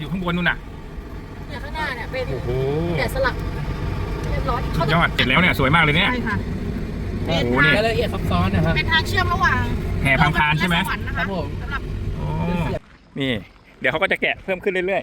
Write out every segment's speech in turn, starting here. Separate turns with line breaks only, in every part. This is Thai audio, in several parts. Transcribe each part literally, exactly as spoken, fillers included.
อยู่ข้างบนนู่นน่ะ
เนี่ยข้างหน้าเนี่ยเป็น
โอ้โห
แกะสลักเรียบร้อย
ยอดเสร็จแล้วเนี่ยสวยมากเลยเนี่ย
ใช่ค่ะ
โอ้โหนี่
รายละเอียดซับซ้อนนะครับ
เป็นทางเชื่อมระหว่าง
แห่พังพานใช่ไหม
ครับผม
สำหรับ
โอ้นี่เดี๋ยวเขาก็จะแกะเพิ่มขึ้นเรื่อย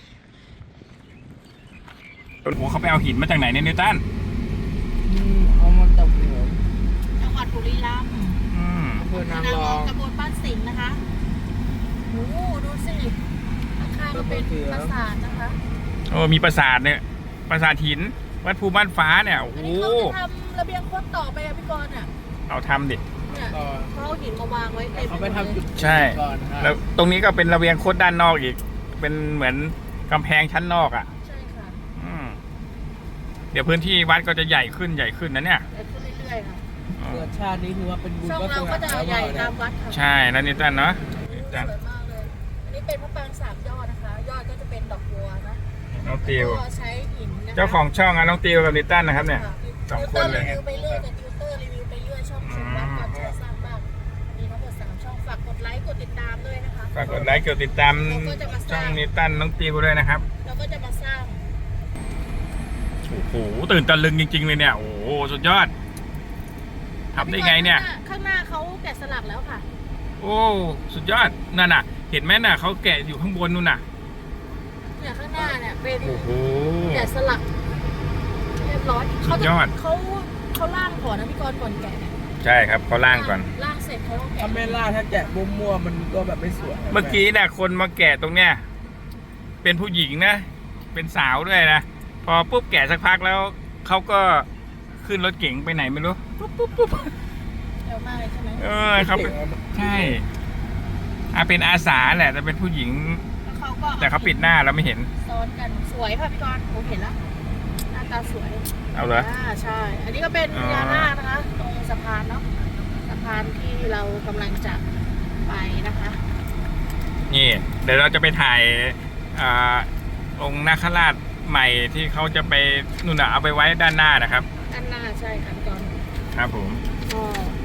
ๆโอ้โหเขาไปเอาหินมาจากไหนเนี่ยนิวตัน
เอามาจากเหนือ
จังหวัดบุรีรัมย์
อำเภอนางรอง
ตำบลบ้านสิงห์นะคะโอ้ดูสิข้างๆก็เป็นปราสาทนะคะ
โอ้มีปราสาทเนี่ยปราสาทหินวัดภูบ้านฟ้าเนี่ยโอ้โห
เขาจะทำระเบียงคดต่อไปอะพี่กรณ์อ่ะ
เอาทำดิ
เนี่ยเขาเอาหินมาวางไว้เต็ม
เขาไปทำจุด
ใช่แล้วตรงนี้ก็เป็นระเบียงคดด้านนอกอีกเป็นเหมือนกำแพงชั้นนอกอ่ะ
ใช่ค่ะ
เดี๋ยวพื้นที่วัดก็จะใหญ่ขึ้นใหญ่ขึ้นนะเนี่ย
ใหญ่ขึ้นเรื่อยๆค่ะ
เกิดชาตินี้คือว่าเป็นบุญ
ช่องเราก็จะใหญ่ตามวัดค่ะ
ใช่แล้วนิวตันเนาะ
สวยมากเลยอันนี้เป็นพระปรางสามยอดนะคะยอดก็จะเป็นดอกบัวนะ
น้องติว
ก็ใช้หินนะคะ
เจ้าของช่องอะน้องติวกับนิวตันนะครับเนี่ยสองคนเลย
รีวิวไปเรื่อยกับติวเตอร์รีวิวไปเรื่อยช่องชมวัดก่อนเชื่อสร้างบ้างมีทั้งหมดสามช่องฝากกดไลค์กดติดตามด้วยนะคะ
ฝากกดไลค์กดติดตามช่องนิวตันน้องติวด้วยนะครับ
เราก็จะมาสร้าง
โอ้โหตื่นตะลึงจริงๆเลยเนี่ยโอ้โหสุดยอดทำได้ไงเนี่ย
ข้างหน้าเขาแกะสลักแล้วค่ะ
โอ้สุดยอดนั่นน่ะเห็นไหมน่ะเขาแกะอยู่ข้างบนนู่นน่ะ
เนี่ยข้างหน้าเนี่ยเป็น
โอ้โห
แกะสลักเรียบร้อย
สุดยอด
เขาเขาล่างก่อนนะพี่กรณ์ก่อนแกะเนี่ย
ใช่ครับเขาล่างก่อน
ล่างเสร็จเขาก็แกะ
ถ้าไม่ล่าถ้าแกะมั่วๆมันก็แบบไม่สวย
เมื่อกี้น่ะคนมาแกะตรงเนี้ยเป็นผู้หญิงนะเป็นสาวด้วยนะพอปุ๊บแกะสักพักแล้วเขาก็ขึ้นรถเก๋งไปไหนไม่รู้ปุ๊บปุ๊บปุ๊บ
เร็วมากเลยใช่ไหม
เออเขาใช่อาเป็นอาสาแหละแต่เป็นผู้หญิงแต่เขาปิดหน้าเราไม่เห็น
ซ้อนกันสวยค่ะพี่กรณ์ผมเห็นแล้วหน้าตาสวย
เอาเลย
อ่าใช่อันนี้ก็เป็นพญานาคนะคะตรงสะพานเนาะสะพานที่เรากำลังจะไปนะคะ
นี่เดี๋ยวเราจะไปถ่ายองค์นาคราชใหม่ที่เขาจะไปนู่นน่ะเอาไปไว้ด้านหน้านะครับ
ด้านหน้าใช่ค่ะพี่กรณ์
ครับผม
ก็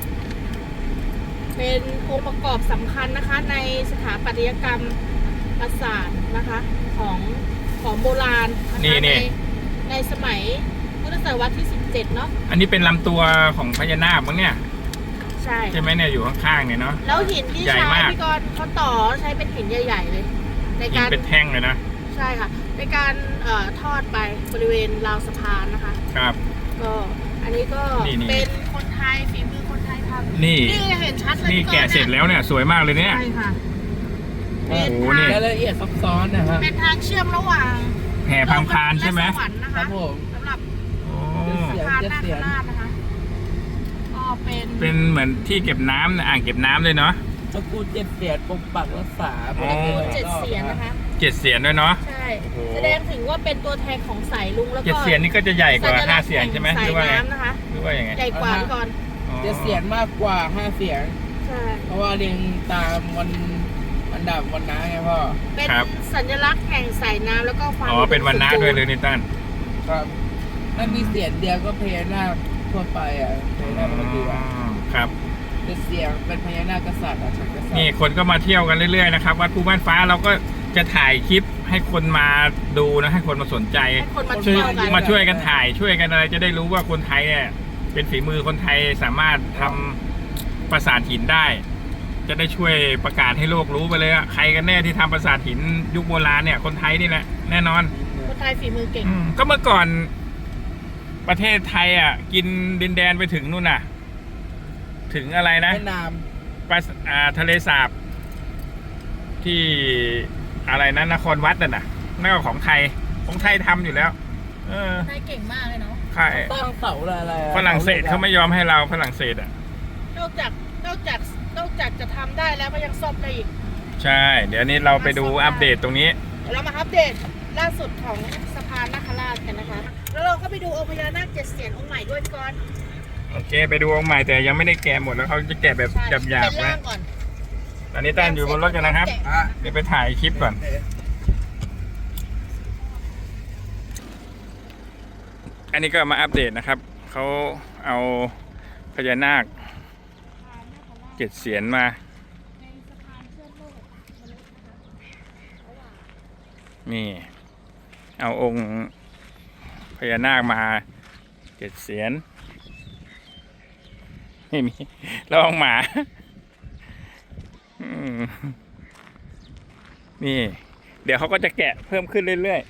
เป็นองค์ประกอบสำคัญนะคะในสถาปัตยกรรมปราสาทนะคะของของโบราณ
นี่
ในในสมัยพุทธศตวรรษที่สิบเจ็ดเนาะ
อันนี้เป็นลำตัวของพญานาคมั้งเนี่ย
ใช่
ใช่ไหมเนี่ยอยู่ข้างๆเนี่ยเนาะ
แล้วหินที่ใช้พี่กรณ์เขาต่อใช้เป็นหินใหญ่ๆเลยในการ
เป็นแท่งเลยนะ
ใช่ค่ะในการเอ่อทอดไปบริเวณราวสะพานนะคะ
ครับ
ก็อันนี้ก็เป็นคนไทยฝีมือคนไทยทำ
นี่
นี่เห็นชัดเลย
นี่แกะเสร็จแล้วเนี่ยสวยมากเลยเนี่ย
ใช่ค่ะ
โอ้โหนี่
รายละเอียดซับซ้อนนะครับ
เป็นทางเชื่อมระหว่าง
แห่พังพานใช่ไหม
ครับผม
สำหรับสะพานนาคราชนะคะก็เป็น
เป็นเหมือนที่เก็บน้ำอ่างเก็บน้ำเลยเนาะ
ตระกูลเจ็ดเสียนปกปักรักษา
ตระกูลเจ็ดเสียนนะคะ
เจ็ดเสียนด้วยเนาะ
ใช่แสดงถึงว่าเป็นตัวแทนของสายลุงแล้วก็
เจ็ดเสียนนี่ก็จะใหญ่กว่าห้าเสียนใช่ไหม
หรือว่าไงนะคะ
หรือว่าอย่างไง
ใหญ่กว่าก่อน
เจ็ดเสียนมากกว่าห้าเสียน
ใช่
เพราะว่าเรียงตามวันอันดับวันน้าไงพ่อ
เป็นสัญลักษณ์แห่งสายน้ำแล้วก็ความ
อ๋อเป็นวันน้าด้วยเลยนิตัน
ครับถ้ามีเสียนเดียวก็พญานาคทั่วไปอ่ะพญานาคปกติอ่ะ
ครับ
เป็นเสียงเป็นพญานาคกษัตริย์อ่ะกษัตริย์
นี่คนก็มาเที่ยวกันเรื่อยๆนะครับวัดภูบ้านฟ้าเราก็จะถ่ายคลิปให้คนมาดูนะให้คนมาสนใจช่วยมาช่วยกันถ่ายช่วยกันอะไรจะได้รู้ว่าคนไทยเนี่ยเป็นฝีมือคนไทยสามารถทำปราสาทหินได้จะได้ช่วยประกาศให้โลกรู้ไปเลยว่าใครกันแน่ที่ทำปราสาทหินยุคโบราณเนี่ยคนไทยนี่แหละแน่นอน
คนไทยฝีมือเก่ง
ก็เมื่อก่อนประเทศไทยอ่ะกินดินแดนไปถึงนู่นน่ะถึงอะไรนะ
แม่น้
ำปลาทะเลสาบที่อะไรนะนครวัดน่ะนั่นก็ของไทยของไทยทำอยู่แล้ว
เออไทยเก่งมากเลยเนาะ
ใช่
ตั้งเสาอะไร
ฝรั่งเศสเขาไม่ยอมให้เราฝรั่งเศสอ่ะ
นอกจากนอกจากนอกจากจะทำได้แล้วก็ยังซ่อมได้อีก
ใช่เดี๋ยวนี้เราไปดูอัปเดตตรงนี้
เรามาอัปเดตล่าสุดของสะพานนาคราชกันนะคะแล้วเราก็ไปดูองค์พญานาคเจ็ดเสียนองค์ใหม่ด้วยก่อน
โอเคไปดูองค์ใหม่แต่ยังไม่ได้แกะหมดแล้วเขาจะแกะแบบหยาบๆนะตอนนี้ตั้งอยู่บนรถกันนะครับเดี๋ยวไปถ่ายคลิปก่อนอันนี้ก็มาอัปเดตนะครับเขาเอาพญานาคเจ็ดเสียนมานี่ เอาองค์พญานาคมาเจ็ดเสียนไม่มีลองหมาอืมนี่ เดี๋ยวเขาก็จะแกะเพิ่มขึ้นเรื่อย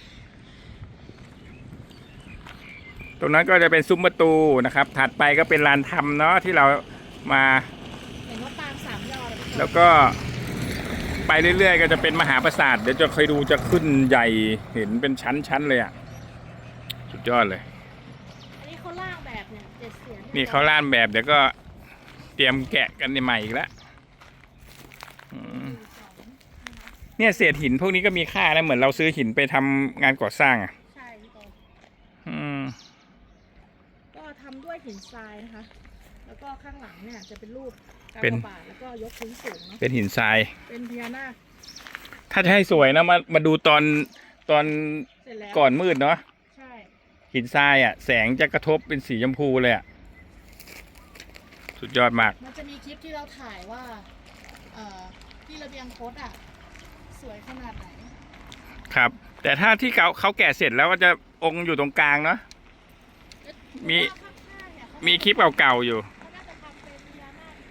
ๆ ตรงนั้นก็จะเป็นซุ้มประตูนะครับ ถัดไปก็เป็นลานธรรมเนาะที่เรามา
เห็นว่าปางสามยอดเลย
แล้วก็ไปเรื่อยๆ ก็จะเป็นมหาปราสาท เดี๋ยวจะเคยดูจะขึ้นใหญ่เห็นเป็นชั้นๆเลยอ่ะ สุดยอดเลย
อันนี้เขาล่างแบบเนี่ยเจ็ดเสียน
นี่เขาล่านแบบเดี๋ยวก็เตรียมแกะกันใหม่อีกแล้วอืมเนี่ยเศษหินพวกนี้ก็มีค่านะเหมือนเราซื้อหินไปทำงานก่อสร้างอ่ะ
ใช่พี่กอน
อืม
ก็ทำด้วยหินทรายนะคะ แล้วก็ข้างหลังเนี่ยจะเป็นรูปกา
เป็น
บาทแล้วก็ยกพื้นสูงเนาะ
เป็นหินทราย
เป็นพญานาค
ถ้าจะให้สวยนะมามาดูตอนตอน
เสร็จแล้ว
ก่อนมืดเนาะ
ใช่
หินทรายอ่ะแสงจะกระทบเป็นสีชมพูเลยอ่ะสุดยอดมาก
มันจะมีคลิปที่เราถ่ายว่าเอ่อที่ระเบียงโคตอ่ะสวยขนาดไหน
ครับ แต่ถ้าที่เขาเขาแกะเสร็จแล้วก็จะองค์อยู่ตรงกลางเนาะ มี
ข้างๆเนี่ยเขา
มีคลิปเก่าๆอยู่
เขาน่าจะทำเป็นพญานาค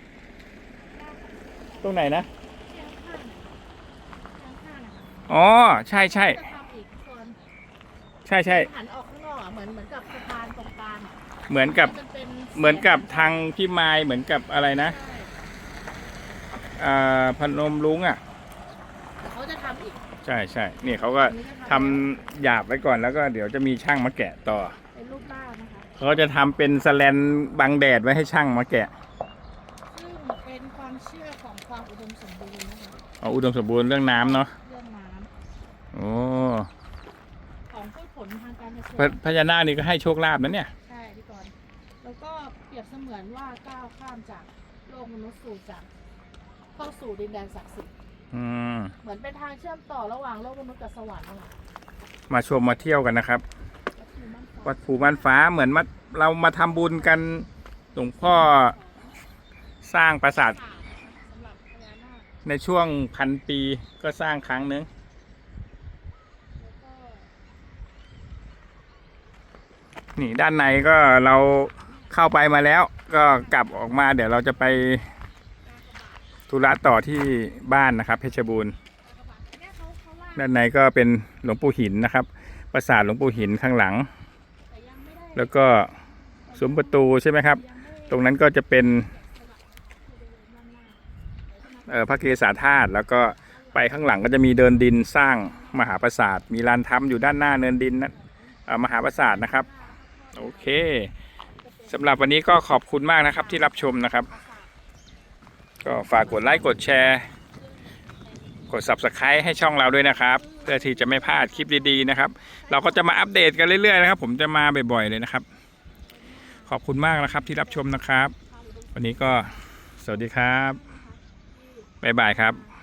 ตรงไหนนะ
ที่ข้างๆเนี่ยข้างๆเนี่ย
อ๋อใช่ใช่
จะทำอีกส่วน
ใช่ใช่
หันออกข้างนอกอ่ะเหมือนเหมือนกับสะพานตรงกลางอ่ะ
เหมือนกับ
มันเป็น
เหมือนกับทางพี่ไม้เหมือนกับอะไรนะ
ใช่
อ่าพนมรุ้งอ่ะ
เขาจะทำอีก
ใช่ใช่นี่เขาก็ทำหยาบไว้ก่อนแล้วก็เดี๋ยวจะมีช่างมาแกะต่อ
เป็นรูปร่างนะคะ
เขาจะทำเป็นสแลนบังแดดไว้ให้ช่างมาแกะ
ซึ่งเป็นความเชื่อของความอุดมสมบูรณ์นะคะ
เอาอุดมสมบูรณ์เรื่องน้ำเนาะ
เรื่องน้
โอ้
ำของพืชผลทางการเกษ
พระ
ตร
พญานาคนี่ก็ให้โชคลาภนะเนี่ย
ใช่พี่กรณ์แล้วก็เปรียบเสมือนว่าก้าวข้ามจากโลกมนุษย์สู่จากเข้าสู่ดินแดนศักดิ์สิทธิ์
อืม
เหมือนเป็นทางเชื่อมต่อระหว่างโลกมนุษย์กับสวรรค์นะคะ
มาชมมาเที่ยวกันนะครับ
ก็คือมั่นคง
วัดภูบ้านฟ้าเหมือนมาเรามาทำบุญกันหลวงพ่อสร้างปราสาท
สำหรับพญานาค
ในช่วงพันปีก็สร้างครั้งนึง
แล้วก็
นี่ด้านในก็เราเข้าไปมาแล้ว ก็กลับออกมาเดี๋ยวเราจะไปธุระต่อที่บ้านนะครับเพชรบูรณ์
กระบะเนี่ยเขาเขาล่าง
ด้านในก็เป็นหลวงปู่หินนะครับปราสาทหลวงปู่หินข้างหลัง
แต่ยังไม่ได้
แล้วก็ซุ้มประตูใช่ไหมครับ
ยังไม่
ตรงนั้นก็จะเป็น
สลับคือด้านหน้า
เอ่อพระเกศาธาตุแล้วก็ไปข้างหลังก็จะมีเดินดินสร้างมหาปราสาทมีลานธรรมอยู่ด้านหน้าเนินดินนั้นเอ่อมหาปราสาทนะครับโอเคสำหรับวันนี้ก็ขอบคุณมากนะครับที่รับชมนะครับ ก็ฝากกดไลค์กดแชร์กด ซับสไครบ์ ให้ช่องเราด้วยนะครับเพื่อที่จะไม่พลาดคลิปดีๆนะครับ เราก็จะมาอัปเดตกันเรื่อยๆนะครับ ผมจะมาบ่อยๆเลยนะครับ ขอบคุณมากนะครับที่รับชมนะครับ วันนี้ก็สวัสดีครับบ๊ายบายครับ